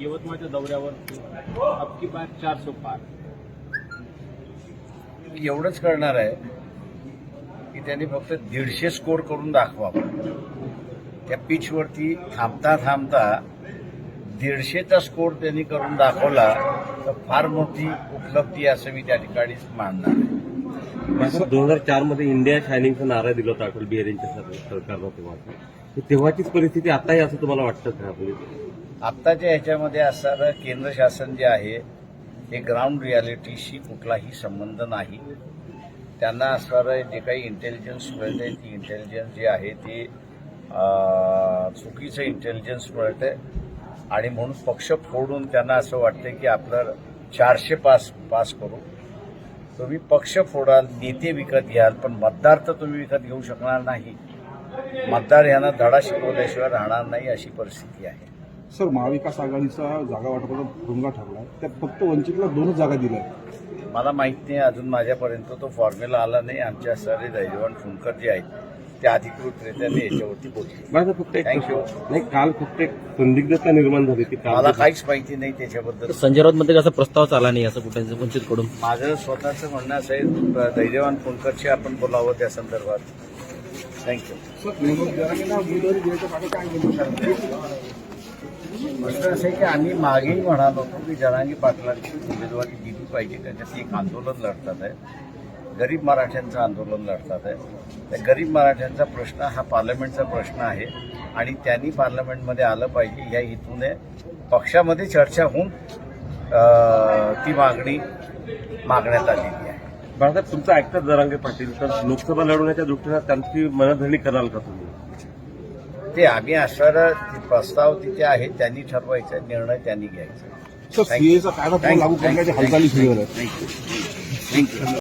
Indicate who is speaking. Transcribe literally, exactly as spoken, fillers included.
Speaker 1: यवतमाळच्या दौऱ्यावर अबकी बार चारशे पार.
Speaker 2: एवढंच करणार आहे की त्यांनी फक्त दीडशे स्कोर करून दाखवावं. त्या पिचवरती थांबता थांबता दीडशेचा स्कोर त्यांनी करून दाखवला तर फार मोठी उपलब्धी असं मी त्या ठिकाणी मानणार आहे.
Speaker 3: दोन हजार चार मध्ये इंडिया शायनिंगचा नारा दिला होता अटल बिहारी यांच्या सरकारनं तेव्हा. तेव्हाचीच परिस्थिती आताही असं तुम्हाला वाटतं का?
Speaker 2: आत्ताच्या ह्याच्यामध्ये असणारं केंद्र शासन जे आहे ते ग्राउंड रियालिटीशी कुठलाही संबंध नाही. त्यांना असणारं जे काही इंटेलिजन्स मिळते ती इंटेलिजन्स जे आहे ते चुकीचं इंटेलिजन्स मिळते आणि म्हणून पक्ष फोडून त्यांना असं वाटतं की आपलं चारशे पास पास करू. तुम्ही पक्ष फोडाल, नेते विकत घ्याल, पण मतदार तर तुम्ही विकत घेऊ शकणार नाही. मतदार यांना धडा शिकवल्याशिवाय राहणार नाही अशी परिस्थिती आहे.
Speaker 4: सर, महाविकास आघाडीचा जागा वाटपाचा भुंगा ठरला, त्यात फक्त वंचितला दोनच जागा दिल्या.
Speaker 2: मला माहित नाही, अजून माझ्यापर्यंत तो फॉर्म्युला आला नाही. आमच्या सारे दैजवान फुंकर जे आहेत ते अधिकृतरित्या ते याच्यावरती बोलले.
Speaker 3: फक्त एक
Speaker 2: थँक्यू.
Speaker 3: नाही, काल फक्त एक संदिग्धता निर्माण झाली ती.
Speaker 2: मला काहीच माहिती नाही त्याच्याबद्दल.
Speaker 5: संजय राऊत मध्ये कसा प्रस्ताव चाला नाही असं कुठे वंचितकडून.
Speaker 2: माझं स्वतःचं म्हणणं असं आहे, दैजवान फुंकरशी आपण बोलावं त्या संदर्भात. थँक्यू. प्रश्न असं आहे की आम्ही मागेही म्हणालो होतो की जरांगी पाटलांची उमेदवारी दिली पाहिजे. त्याच्यात एक आंदोलन लढतात आहे, गरीब मराठ्यांचं आंदोलन लढतात आहे. त्या गरीब मराठ्यांचा प्रश्न हा पार्लमेंटचा प्रश्न आहे आणि त्यांनी पार्लमेंटमध्ये आलं पाहिजे ह्या हेतूने पक्षामध्ये चर्चा होऊन ती मागणी मागण्यात आलेली आहे.
Speaker 3: बाळासाहेब, तुमचं ऐकतात जरांगे पाटील, तर लोकसभा लढवण्याच्या दृष्टीनं त्यांची मनधरणी कराल का तुम्ही?
Speaker 2: ते आम्ही असणारा प्रस्ताव तिथे आहे, त्यांनी ठरवायचा, निर्णय त्यांनी घ्यायचा.
Speaker 4: सर, सीएचा कायदा लागू करण्याची हालचाली सुरू आहेत.
Speaker 2: थँक्यू.